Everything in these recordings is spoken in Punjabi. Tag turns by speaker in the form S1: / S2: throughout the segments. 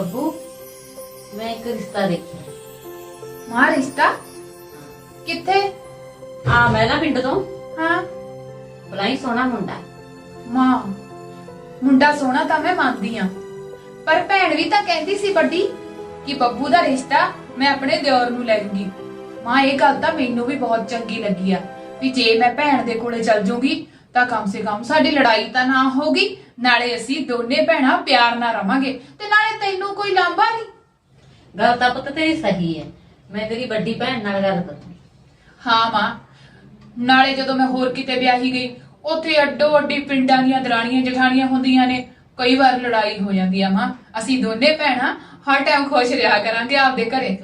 S1: ਬੱਬੂ ਮੈਂ ਇੱਕ ਰਿਸ਼ਤਾ ਦੇਖਿਆ।
S2: ਮਾਂ ਰਿਸ਼ਤਾ ਕਿੱਥੇ?
S1: ਆ ਮੈਂ ਨਾ ਪਿੰਡ ਤੋਂ
S2: ਹਾਂ
S1: ਬਲਾਈ ਸੋਹਣਾ ਮੁੰਡਾ।
S2: ਮਾਂ ਮੁੰਡਾ ਸੋਹਣਾ ਤਾਂ ਮੈਂ ਮੰਨਦੀ ਆ, ਪਰ ਭੈਣ ਵੀ ਤਾਂ ਕਹਿੰਦੀ ਸੀ ਵੱਡੀ ਕਿ ਬੱਬੂ ਦਾ ਰਿਸ਼ਤਾ ਮੈਂ ਆਪਣੇ ਦਿਓਰ ਨੂੰ ਲੈ ਲੂੰਗੀ। ਮਾਂ ਇਹ ਗੱਲ ਤਾਂ ਮੈਨੂੰ ਵੀ ਬਹੁਤ ਚੰਗੀ ਲੱਗੀ ਆ ਵੀ ਜੇ ਮੈਂ ਭੈਣ ਦੇ ਕੋਲੇ ਚਲ ਜੂਗੀ ਤਾਂ ਕਮ ਸੇ ਕਮ ਸਾਡੀ ਲੜਾਈ ਤਾਂ ਨਾ ਹੋਗੀ, ਨਾਲੇ ਅਸੀਂ ਦੋਨੇ ਭੈਣਾਂ ਪਿਆਰ ਨਾਲ ਰਵਾਂਗੇ ਤੇ ਨਾਲੇ ਤੈਨੂੰ ਕੋਈ ਲਾਂਭਾ ਨਹੀਂ।
S1: ਗੱਲ ਤਾਂ ਪੁੱਤ ਤੇਰੀ ਸਹੀ ਹੈ, ਮੈਂ ਤੇਰੀ ਵੱਡੀ ਭੈਣ ਨਾਲ ਗੱਲ ਕਰੂੰ।
S2: ਹਾਂ ਮਾਂ, ਨਾਲੇ ਜਦੋਂ ਮੈਂ ਹੋਰ ਕਿਤੇ ਵਿਆਹੀ ਗਈ ਉੱਥੇ ਅੱਡੋ ਅੱਡੀ ਪਿੰਡਾਂ ਦੀਆਂ ਦਰਾਣੀਆਂ ਜਠਾਣੀਆਂ ਹੁੰਦੀਆਂ ਨੇ, ਕਈ ਵਾਰ ਲੜਾਈ ਹੋ ਜਾਂਦੀ ਆ। ਮਾਂ ਅਸੀਂ ਦੋਨੇ ਭੈਣਾਂ ਹਰ ਟਾਈਮ ਖੁਸ਼ ਰਿਹਾ ਕਰਾਂਗੇ ਆਪਦੇ ਘਰੇ।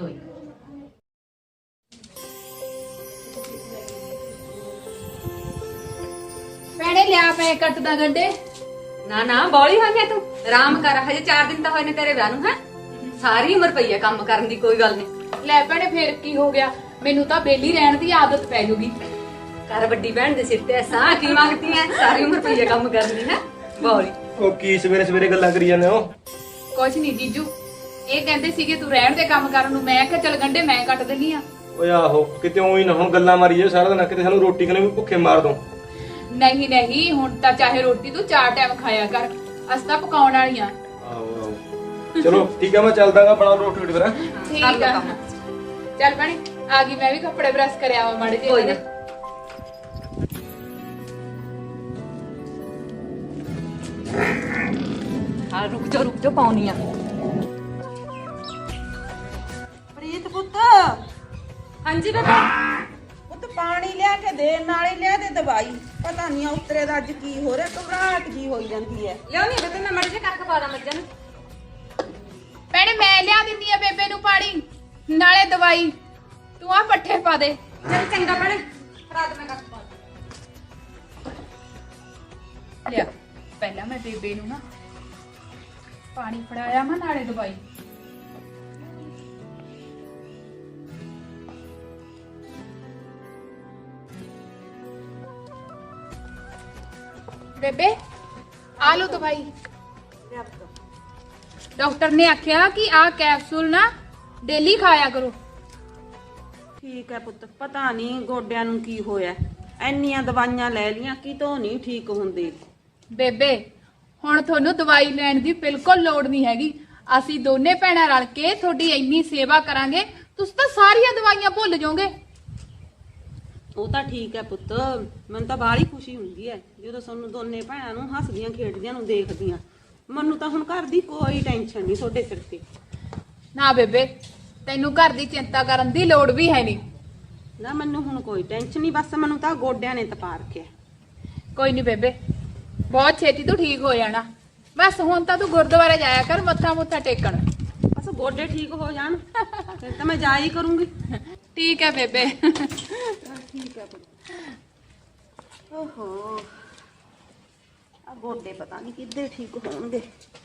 S2: ਭੈਣੇ ਲਿਆ ਪੈ ਕੱਟਦਾ ਗੰਡੇ।
S3: ਨਾ ਨਾ ਬੋਲੀ ਹੋਈ ਮੈਂ ਤੂੰ ਆਰਾਮ ਕਰ, ਹਜੇ 4 ਦਿਨ ਤਾਂ ਹੋਏ ਨੇ ਤੇਰੇ ਵਿਆਹ ਨੂੰ। ਹੈ ਸਾਰੀ ਉਮਰ ਪਈ ਹੈ ਕੰਮ ਕਰਨ ਦੀ, ਕੋਈ ਗੱਲ ਨਹੀਂ।
S2: ਲੈ ਭੈਣੇ ਫੇਰ ਕੀ ਹੋ ਗਿਆ, ਮੈਨੂੰ ਤਾਂ ਬੇਲੀ ਰਹਿਣ ਦੀ ਆਦਤ ਪੈ ਜੂਗੀ।
S3: ਕਰ ਵੱਡੀ ਭੈਣ ਦੇ ਸਿਰ ਤੇ ਐਸਾ ਕੀ ਮੰਗਤੀ ਹੈ, ਸਾਰੀ ਉਮਰ ਪਈ ਹੈ ਕੰਮ ਕਰਨ ਦੀ। ਹੈ ਬੋਲੀ
S4: ਉਹ ਕੀ ਸਵੇਰੇ ਸਵੇਰੇ ਗੱਲਾਂ ਕਰੀ ਜਾਂਦੇ ਹੋ?
S2: ਕੁਛ ਨਹੀਂ ਜੀਜੂ, ਇਹ ਕਹਿੰਦੇ ਸੀਗੇ ਤੂੰ ਰਹਿਣ ਦੇ ਕੰਮ ਕਰਨ ਨੂੰ, ਮੈਂ ਕਿਹਾ ਚੱਲ ਗੰਡੇ ਮੈਂ ਕੱਟ ਦਿੰਨੀ ਆ।
S4: ਓਏ ਆਹੋ, ਕਿਤੇ ਉਹੀ ਨਾ ਹੁਣ ਗੱਲਾਂ ਮਾਰੀ ਜੇ ਸਾਰਾ ਦਿਨ, ਕਿਤੇ ਸਾਨੂੰ ਰੋਟੀ ਖਣੇ ਵੀ ਭੁੱਖੇ ਮਾਰ ਦੋ।
S2: ਨਹੀਂ ਨਹੀਂ, ਹੁਣ ਤਾਂ ਚਾਹੇ ਰੋਟੀ ਤੂੰ 4 ਟਾਈਮ ਖਾਇਆ ਕਰ, ਅਸੀਂ ਤਾਂ ਪਕਾਉਣ ਵਾਲੀਆਂ।
S4: ਆਹੋ ਆਹੋ ਚਲੋ ਠੀਕ ਆ, ਮੈਂ ਚੱਲਦਾਗਾ, ਬਣਾ ਰੋਟੀ ਰੋਟੀ ਫਿਰ।
S2: ਠੀਕ ਆ ਚੱਲ ਭੈਣੇ ਆ ਗਈ, ਮੈਂ ਵੀ ਕੱਪੜੇ ਪ੍ਰੈਸ ਕਰਿਆ ਆਵਾਂ ਮਾੜੇ ਜਿਹੇ।
S3: ਕੋਈ ਨਾ। ਹਾਂ ਰੁਕ ਜਾ ਪਾਉਣੀ ਆ।
S5: ਪ੍ਰੀਤ ਪੁੱਤ
S3: ਹਾਂਜੀ ਬੇਬੇ।
S5: ਪੁੱਤ ਪਾਣੀ ਲਿਆ ਕੇ ਦੇ, ਨਾਲੇ ਲਿਆ ਦੇ ਦਵਾਈ। ਪਤਾ ਨਹੀਂ ਉਤਰੇ ਦਾ ਅੱਜ ਕੀ ਹੋ ਰਿਹਾ, ਘਬਰਾਹਟ ਜੀ ਹੋਈ ਜਾਂਦੀ ਹੈ।
S3: ਲਿਆਉਣੀ ਬੇਬੇ, ਮੈਂ ਮੜ ਜੇ ਕਰਕੇ ਪਾ ਦਾਂ ਮੱਝਾਂ ਨੂੰ।
S2: ਭੈਣੇ ਮੈਂ ਲਿਆ ਦਿੰਦੀ ਆ ਬੇਬੇ ਨੂੰ ਪਾਣੀ ਨਾਲੇ ਦਵਾਈ, ਤੂੰ ਆ ਪੱਠੇ ਪਾ ਦੇ।
S3: ਚੱਲ ਚੰਗਾ ਭੈਣੇ, ਰਾਤ ਮੈਂ ਕਰਕੇ ਪਾ
S2: ਲਿਆ ਪਹਿਲਾਂ ਮੈਂ ਬੇਬੇ ਨੂੰ ਨਾ ਪਾਣੀ ਫੜਾਇਆ ਮੈਂ ਨਾਲੇ ਦਵਾਈ। ਬੇਬੇ ਆ ਲੋ ਦਵਾਈ। ਡਾਕਟਰ ਨੇ ਆਖਿਆ ਕਿ ਆ ਕੈਪਸੂਲ ਨਾ ਡੇਲੀ ਖਾਇਆ ਕਰੋ।
S5: ਠੀਕ ਹੈ ਪੁੱਤ, ਪਤਾ ਨਹੀਂ ਗੋਡਿਆਂ ਨੂੰ ਕੀ ਹੋਇਆ, ਐਨੀਆਂ ਦਵਾਈਆਂ ਲੈ ਲੀਆਂ ਕਿਤੋਂ ਨਹੀਂ ਠੀਕ ਹੁੰਦੇ।
S2: ਬੇਬੇ ਹੁਣ ਤੁਹਾਨੂੰ ਦਵਾਈ ਲੈਣ ਦੀ ਬਿਲਕੁਲ ਲੋੜ ਨਹੀਂ ਹੈਗੀ, ਅਸੀਂ ਦੋਨੇ ਭੈਣਾਂ ਰਲ ਕੇ ਤੁਹਾਡੀ ਇੰਨੀ ਸੇਵਾ ਕਰਾਂਗੇ, ਤੁਸੀਂ ਤਾਂ ਸਾਰੀਆਂ ਦਵਾਈਆਂ ਭੁੱਲ ਜਾਓਗੇ।
S5: ਉਹ ਤਾਂ ਠੀਕ ਹੈ ਪੁੱਤ, ਮੈਨੂੰ ਤਾਂ ਬਾਹਲੀ ਖੁਸ਼ੀ ਹੁੰਦੀ ਹੈ ਜਦੋਂ ਤੁਹਾਨੂੰ ਦੋਨੇ ਭੈਣਾਂ ਨੂੰ ਹੱਸਦੀਆਂ ਖੇਡਦੀਆਂ ਨੂੰ ਦੇਖਦੀਆਂ। ਮੈਨੂੰ ਤਾਂ ਹੁਣ ਘਰ ਦੀ ਕੋਈ ਟੈਨਸ਼ਨ ਨਹੀਂ ਤੁਹਾਡੇ ਸਿਰ ਤੇ।
S2: ਨਾ ਬੇਬੇ ਤੈਨੂੰ ਘਰ ਦੀ ਚਿੰਤਾ ਕਰਨ ਦੀ ਲੋੜ ਵੀ ਹੈ ਨਹੀਂ।
S5: ਨਾ ਮੈਨੂੰ ਹੁਣ ਕੋਈ ਟੈਨਸ਼ਨ ਨਹੀਂ, ਬਸ ਮੈਨੂੰ ਤਾਂ ਗੋਡਿਆਂ ਨੇ ਤਪਾ ਰੱਖਿਆ।
S2: ਕੋਈ ਨਹੀਂ ਬੇਬੇ, ਬਹੁਤ ਛੇਤੀ ਤੂੰ ਠੀਕ ਹੋ ਜਾਣਾ। ਬਸ ਹੁਣ ਤਾਂ ਤੂੰ ਗੁਰਦੁਆਰੇ ਜਾਇਆ ਕਰ ਮੱਥਾ ਮੁੱਥਾ ਟੇਕਣ।
S5: ਬਸ ਗੋਡੇ ਠੀਕ ਹੋ ਜਾਣ ਫਿਰ ਤਾਂ ਮੈਂ ਜਾ ਹੀ ਕਰੂੰਗੀ।
S2: ਠੀਕ ਹੈ ਬੇਬੇ।
S5: ਠੀਕ ਹੈ ਪੁੱਤ। ਓਹੋ ਆ ਗੋਡੇ ਪਤਾ ਨਹੀਂ ਕਿੱਦੇ ਠੀਕ ਹੋਣਗੇ।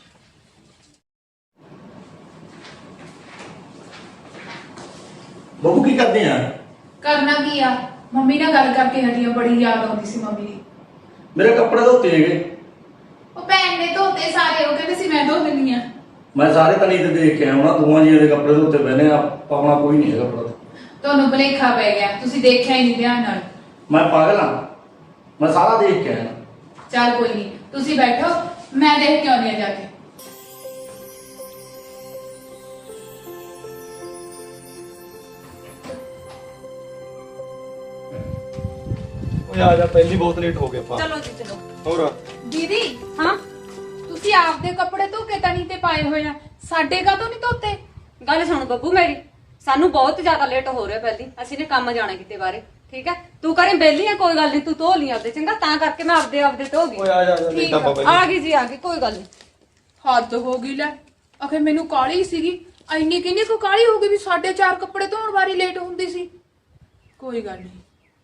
S6: ਬੱਬੂ ਕੀ ਕਰਦੇ ਆ?
S2: ਕਰਨਾ ਕੀ ਆ, ਮੰਮੀ ਨਾਲ ਗੱਲ ਕਰਕੇ ਹਟੀ ਆ, ਬੜੀ ਯਾਦ ਆਉਂਦੀ ਸੀ ਮੰਮੀ ਦੀ।
S6: ਮੇਰੇ ਕੱਪੜੇ ਧੋਤੇ ਹੈਗੇ,
S2: ਉਹ ਭੈਣ ਨੇ ਧੋਤੇ ਸਾਰੇ, ਉਹ ਕਹਿੰਦੇ ਸੀ ਮੈਂ ਧੋ ਦਿੰਦੀ ਆ।
S6: ਮੈਂ ਸਾਰੇ ਤਨੀ ਤੇ ਦੇਖ ਕੇ ਆਇਆ ਉਹਨਾਂ ਦੋਵਾਂ ਜੀਆਂ ਦੇ ਕੱਪੜੇ ਧੋਤੇ ਪਏ ਨੇ, ਆਪਣਾ ਕੋਈ ਨਹੀਂ ਹੈਗਾ ਕੱਪੜਾ।
S2: ਤੁਹਾਨੂੰ ਭੁਲੇਖਾ ਪੈ ਗਿਆ, ਤੁਸੀਂ ਦੇਖਿਆ ਹੀ ਨਹੀਂ ਧਿਆਨ ਨਾਲ।
S6: ਮੈਂ ਪਾਗਲ ਆ, ਮੈਂ ਸਾਰਾ ਦੇਖ ਕੇ ਆਇਆ।
S2: ਚੱਲ ਕੋਈ ਨਹੀਂ, ਤੁਸੀਂ ਬੈਠੋ, ਮੈਂ ਦੇਖ ਕੇ ਆਉਂਦੀ ਆ ਜਾ ਕੇ।
S4: ਓਏ ਆ ਜਾ, ਪਹਿਲੀ ਬਹੁਤ ਲੇਟ ਹੋ ਗਏ ਆਪਾਂ।
S3: ਚਲੋ ਜੀ ਚਲੋ।
S4: ਹੋਰ
S2: ਦੀਦੀ
S3: ਹਾਂ
S2: ਤੁਸੀਂ ਆਪਦੇ ਕੱਪੜੇ ਧੋ ਕੇ ਤਣੀ ਤੇ ਪਾਏ ਹੋਏ ਆ, ਸਾਡੇ ਕਾਹਤੋਂ ਨਹੀਂ ਧੋਤੇ?
S3: ਗੱਲ ਸੁਣ ਬੱਬੂ ਮੇਰੀ, ਸਾਨੂੰ ਬਹੁਤ ਜ਼ਿਆਦਾ ਲੇਟ ਹੋ ਰਿਹਾ, ਪਹਿਲੀ ਅਸੀਂ ਨੇ ਕੰਮ ਜਾਣਾ ਕਿਤੇ ਬਾਰੇ। ਠੀਕ ਹੈ ਤੂੰ ਕਰੇ ਬੇਲੀ ਆ, ਕੋਈ ਗੱਲ ਨਹੀਂ, ਤੂੰ ਧੋ ਲਈ ਆਪਦੇ, ਚੰਗਾ ਤਾਂ ਕਰਕੇ ਮੈਂ ਆਪਦੇ ਧੋ ਗਈ।
S4: ਓਏ ਆ ਜਾ
S2: ਠੀਕ
S4: ਲੇਟ
S2: ਆ,
S4: ਆਪਾਂ
S3: ਆ ਗਈ ਜੀ ਆ ਗਈ, ਕੋਈ ਗੱਲ ਨਹੀਂ।
S2: ਹੱਦ ਹੋ ਗਈ ਲੈ, ਆਖੇ ਮੈਨੂੰ ਕਾਲੀ ਸੀਗੀ, ਇੰਨੀ ਕਿੰਨੀ ਕੁ ਕਾਲੀ ਹੋ ਗਈ ਵੀ 4:30 ਕੱਪੜੇ ਧੋਣ ਵਾਰੀ ਲੇਟ ਹੁੰਦੀ ਸੀ। ਕੋਈ ਗੱਲ ਨਹੀਂ।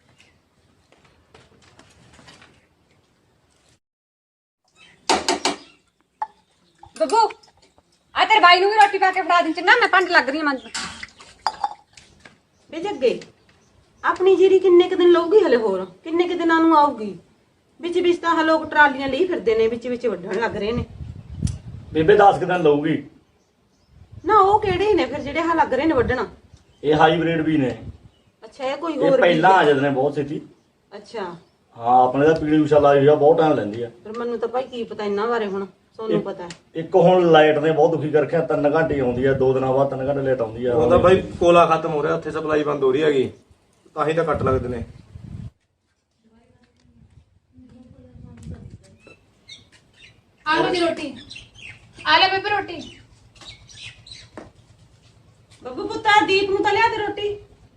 S3: ਬੱਬੂ ਆ ਤੇਰੇ ਬਾਈ ਨੂੰ ਵੀ ਰੋਟੀ ਪਾ ਕੇ ਫੜਾ ਦੇ, ਚੰਗਾ ਮੈਂ ਪੰਡ ਲੱਗ ਰਹੀ ਹਾਂ ਮੰਨ।
S5: ਵੇ ਜੱਗੇ ਆਪਣੀ ਜੀਰੀ ਕਿੰਨੇ ਕੁ ਦਿਨ ਲਊਗੀ ਹਲੇ, ਹੋਰ ਕਿੰਨੇ ਕੁ ਦਿਨਾਂ ਨੂੰ ਆਊਗੀ? ਵਿੱਚ ਵਿੱਚ ਤਾਂ ਲੋਕ ਟਰਾਲੀਆਂ ਲਈ ਫਿਰਦੇ ਨੇ, ਵਿੱਚ ਵਿੱਚ ਵੱਢਣ ਲੱਗ ਰਹੇ ਨੇ।
S6: ਬੇਬੇ 10 ਦਿਨ ਲਊਗੀ।
S5: ਨਾ ਉਹ ਕਿਹੜੇ ਨੇ ਫਿਰ ਜਿਹੜੇ ਆਹ ਲੱਗ ਰਹੇ ਨੇ ਵੱਢਣਾ?
S6: ਇਹ ਹਾਈਬ੍ਰਿਡ ਵੀ ਨੇ।
S5: ਅੱਛਾ ਇਹ ਕੋਈ
S6: ਇਹ
S5: ਹੋਰ
S6: ਪਹਿਲਾਂ ਆ ਜਾਂਦੇ ਨੇ ਬਹੁਤ ਛੇਤੀ।
S5: ਅੱਛਾ
S6: ਹਾਂ ਆਪਣੇ ਦਾ ਪੀੜੀ ਉਸ਼ਾ ਲਾਈ ਹੋਈ ਆ, ਬਹੁਤ ਟਾਈਮ ਲੈਂਦੀ ਆ।
S5: ਫਿਰ ਮੈਨੂੰ ਤਾਂ ਭਾਈ ਕੀ ਪਤਾ ਇਹਨਾਂ ਬਾਰੇ, ਹੁਣ ਤੁਹਾਨੂੰ ਪਤਾ ਹੈ।
S6: ਇੱਕ ਹੁਣ ਲਾਈਟ ਨੇ ਬਹੁਤ ਦੁਖੀ ਕਰ ਰੱਖਿਆ, 3 ਘੰਟੇ ਆਉਂਦੀ ਆ, 2 ਦਿਨਾਂ ਬਾਅਦ 3 ਘੰਟੇ ਲੇਟ ਆਉਂਦੀ ਆ।
S4: ਉਹਦਾ ਬਾਈ ਕੋਲਾ ਖਤਮ ਹੋ ਰਿਹਾ, ਉੱਥੇ ਸਪਲਾਈ ਬੰਦ ਹੋ ਰਹੀ ਹੈਗੀ, ਤਾਂ ਹੀ ਤਾਂ ਕੱਟ ਲੱਗਦੇ ਨੇ।
S2: ਆਲੂ ਦੀ ਰੋਟੀ ਆ ਲੈ ਬੇਬੇ ਰੋਟੀ।
S5: ਬੱਬੂ ਪੁੱਤਾ ਦੀਪ ਨੂੰ ਤਾਂ ਲਿਆ ਦੇ ਰੋਟੀ।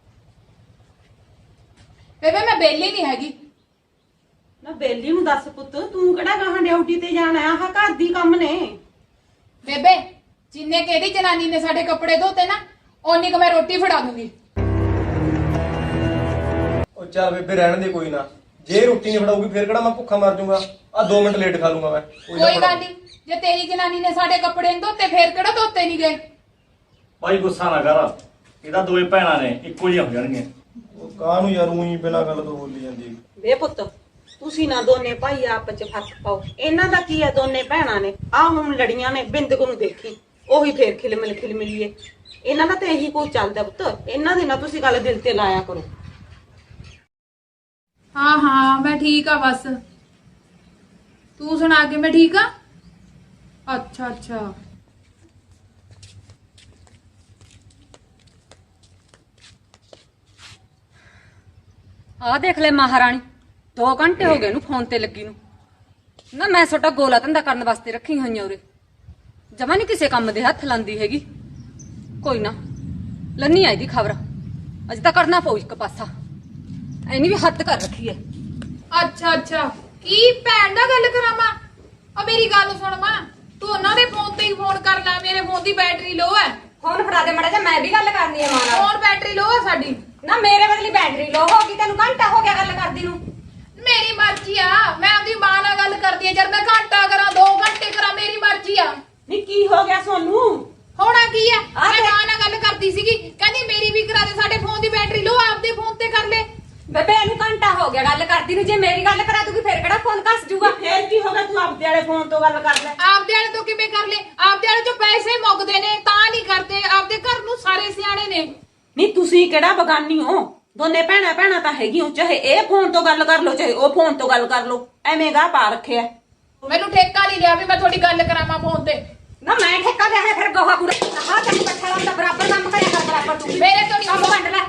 S2: ਬੇਬੇ ਮੈਂ ਬੇਲੀ ਨਹੀਂ ਹੈਗੀ।
S5: ਨਾ ਬੇਲੀ ਨੂੰ ਦੱਸ ਪੁੱਤ, ਤੂੰ ਕਿਹੜਾ ਗਾਹਾਂ ਡਿਊਟੀ ਤੇ ਜਾਣਾ? ਆਹ ਘਰ ਦੀ ਕੰਮ ਨੇ।
S2: ਬੇਬੇ ਜਿੰਨੇ ਕਿਹੜੀ ਜਨਾਨੀ ਨੇ ਸਾਡੇ ਕੱਪੜੇ ਧੋਤੇ ਨਾ, ਓਨੀ ਕੁ ਮੈਂ ਰੋਟੀ ਫੜਾ ਦੂੰਗੀ।
S4: ਉਹ ਚੱਲ ਬੇਬੇ ਰਹਿਣ ਦੇ, ਕੋਈ ਨਾ। ਜੇ ਰੋਟੀ ਨਹੀਂ ਫੜਾਉਗੀ ਫਿਰ ਕਿਹੜਾ ਮੈਂ ਭੁੱਖਾ ਮਰ ਜਾਊਗਾ? ਆ 2 ਮਿੰਟ ਲੇਟ ਖਾ ਲੂੰਗਾ ਮੈਂ।
S2: ਕੋਈ ਗੱਲ ਨਹੀਂ, ਜੇ ਤੇਰੀ ਜਨਾਨੀ ਨੇ ਸਾਡੇ ਕੱਪੜੇ ਨਹੀਂ ਧੋਤੇ ਫੇਰ ਕਿਹੜਾ ਧੋਤੇ ਨਹੀਂ ਗਏ।
S6: ਭਾਈ ਗੁੱਸਾ ਨਾ ਕਰ, ਇਹਦਾ 2 ਭੈਣਾਂ ਨੇ, ਇੱਕੋ ਜਿਹੀਆਂ ਹੋ ਜਾਣਗੀਆਂ।
S4: ਉਹ ਕਾਹਨੂੰ ਯਾਰ ਉਹੀ ਬਿਨਾਂ ਗੱਲ ਤੋਂ ਬੋਲੀ ਜਾਂਦੀ।
S5: ਵੇ ਪੁੱਤ ਤੁਸੀਂ ਨਾ ਦੋਨੇ ਭਾਈ ਆਪਸ ਚ ਫਰਕ ਪਾਓ। ਇਹਨਾਂ ਦਾ ਕੀ ਹੈ, ਦੋਨੇ ਭੈਣਾਂ ਨੇ, ਆਹ ਹੁਣ ਲੜੀਆਂ ਨੇ, ਬਿੰਦਕ ਨੂੰ ਦੇਖੀ ਉਹੀ ਫੇਰ ਖਿਲਮਿਲੀਏ। ਇਹਨਾਂ ਦਾ ਤਾਂ ਇਹੀ ਕੁਝ ਚੱਲਦਾ ਪੁੱਤ, ਇਹਨਾਂ ਦੀ ਨਾ ਤੁਸੀਂ ਗੱਲ ਦਿਲ ਤੇ ਲਾਇਆ ਕਰੋ।
S2: ਹਾਂ ਹਾਂ ਮੈਂ ਠੀਕ ਆ, ਬਸ ਤੂੰ ਸੁਣਾ ਕੇ ਮੈਂ ਠੀਕ ਆ। ਅੱਛਾ ਅੱਛਾ
S3: ਆਹ ਦੇਖ ਲੈ ਮਹਾਰਾਣੀ, 2 ਘੰਟੇ ਹੋ ਗਏ ਇਹਨੂੰ ਫੋਨ ਤੇ ਲੱਗੀ ਨੂੰ। ਨਾ ਮੈਂ ਛੋਟਾ ਗੋਲਾ ਧੰਦਾ ਕਰਨ ਵਾਸਤੇ ਰੱਖੀ ਹੋਈਆਂ ਉਰੇ, ਜਮਾ ਨਹੀਂ ਕਿਸੇ ਕੰਮ ਦੇ ਹੱਥ ਲਾਂਦੀ ਹੈਗੀ। ਕੋਈ ਨਾ ਲੰਨੀ ਆਈ ਦੀ ਖਬਰ, ਅਜੇ ਤਾਂ ਕਰਨਾ ਪਊ ਇੱਕ ਪਾਸਾ। ਐਨੀ ਵੀ ਹੱਦ ਕਰ ਰੱਖੀ ਐ।
S2: ਅੱਛਾ ਅੱਛਾ ਕੀ ਭੈਣ ਦਾ ਗੱਲ ਕਰਾਵਾਂ? ਆ ਮੇਰੀ ਗੱਲ ਸੁਣ ਮਾਂ, ਤੂੰ ਉਹਨਾਂ ਦੇ ਫੋਨ ਤੇ ਹੀ ਫੋਨ ਕਰ ਲੈ, ਮੇਰੇ ਫੋਨ ਦੀ ਬੈਟਰੀ ਲੋ ਹੈ।
S3: ਫੋਨ ਫੜਾ ਦੇ ਮੜਾ ਜਾ, ਮੈਂ ਵੀ ਗੱਲ ਕਰਨੀ ਐ ਮਾਂ ਨਾਲ।
S2: ਫੋਨ ਬੈਟਰੀ ਲੋ ਹੈ ਸਾਡੀ।
S3: ਨਾ ਮੇਰੇ ਬਦਲੀ ਬੈਟਰੀ ਲੋ ਹੋ ਗਈ, ਤੈਨੂੰ ਘੰਟਾ ਹੋ ਗਿਆ ਗੱਲ ਕਰਦੀ ਨੂੰ।
S2: ਮੇਰੀ ਮਰਜ਼ੀ ਆ, ਮੈਂ ਆਪਣੀ ਮਾਂ ਨਾਲ ਗੱਲ ਕਰਦੀ ਆ। ਜਦ ਮੈਂ ਘੰਟਾ ਕਰਾਂ 2 ਘੰਟੇ ਕਰਾਂ, ਮੇਰੀ ਮਰਜ਼ੀ ਆ।
S5: ਨਹੀਂ ਕੀ ਹੋ ਗਿਆ ਸੋਨੂੰ?
S2: ਹੋਣਾ ਕੀ ਆ,
S3: ਆ
S2: ਮੈਂ
S3: ਤੇ-
S2: ਮਾਂ ਨਾਲ ਗੱਲ ਕਰਦੀ ਸੀਗੀ, ਕਹਿੰਦੀ ਮੇਰੀ ਵੀ ਕਰਾ ਦੇ, ਸਾਡੇ ਫੋਨ ਦੀ ਬੈਟਰੀ ਲੋ, ਆਪਦੇ ਫੋਨ ਤੇ ਕਰ ਲੈ।
S3: ਬੇਬੇ ਇਹਨੂੰ ਘੰਟਾ ਹੋ ਗਿਆ ਗੱਲ ਕਰਦੀ ਨੂੰ, ਜੇ ਮੇਰੀ ਗੱਲ ਕਰਾ ਦੂਗੀ ਫੇਰ ਕਿਹੜਾ ਫੋਨ ਕੱਸ ਜੂਗਾ।
S5: ਫੇਰ ਕੀ ਹੋ ਗਿਆ, ਤੂੰ ਆਪਦੇ ਵਾਲੇ ਫੋਨ ਤੋਂ ਗੱਲ ਕਰ ਲੈ।
S2: ਆਪਦੇ ਵਾਲੇ ਤੋਂ ਕਿਵੇਂ ਕਰ ਲੈ? ਆਪਦੇ ਵਾਲੇ ਚੋਂ ਪੈਸੇ ਮੁੱਕਦੇ ਨੇ ਤਾਂ ਨਹੀਂ ਕਰਦੇ। ਆਪਦੇ ਘਰ ਨੂੰ ਸਾਰੇ ਸਿਆਣੇ ਨੇ।
S5: ਨਹੀਂ ਤੁਸੀਂ ਕਿਹੜਾ ਬਗਾਨੀ ਹੋ? ਦੋਨੇ ਭੈਣਾਂ ਤਾਂ ਹੈਗੀਆਂ, ਚਾਹੇ ਇਹ ਫੋਨ ਤੋਂ ਗੱਲ ਕਰ ਲਓ ਚਾਹੇ ਉਹ ਫੋਨ ਤੋਂ ਗੱਲ ਕਰ ਲਓ। ਐਵੇਂ ਗਾ ਪਾ ਰੱਖਿਆ।
S2: ਮੈਨੂੰ ਠੇਕਾ ਨਹੀਂ ਲਿਆ ਵੀ ਮੈਂ ਤੁਹਾਡੀ ਗੱਲ ਕਰਾਵਾਂ ਫੋਨ ਤੇ।
S3: ਨਾ ਮੈਂ ਠੇਕਾ ਲਿਆ ਹੈ, ਫਿਰ ਗੋਹਾ ਕੂੜਾ ਆਹ ਤੈਨੂੰ ਪੱਠਾ ਲਾਉਣ ਦਾ ਬਰਾਬਰ ਕੰਮ ਕਰਿਆ ਕਰ, ਬਰਾਬਰ ਤੂੰ।
S2: ਮੇਰੇ ਤੋਂ ਨਹੀਂ
S3: ਕੰਮ ਵੰਡ ਲੈ।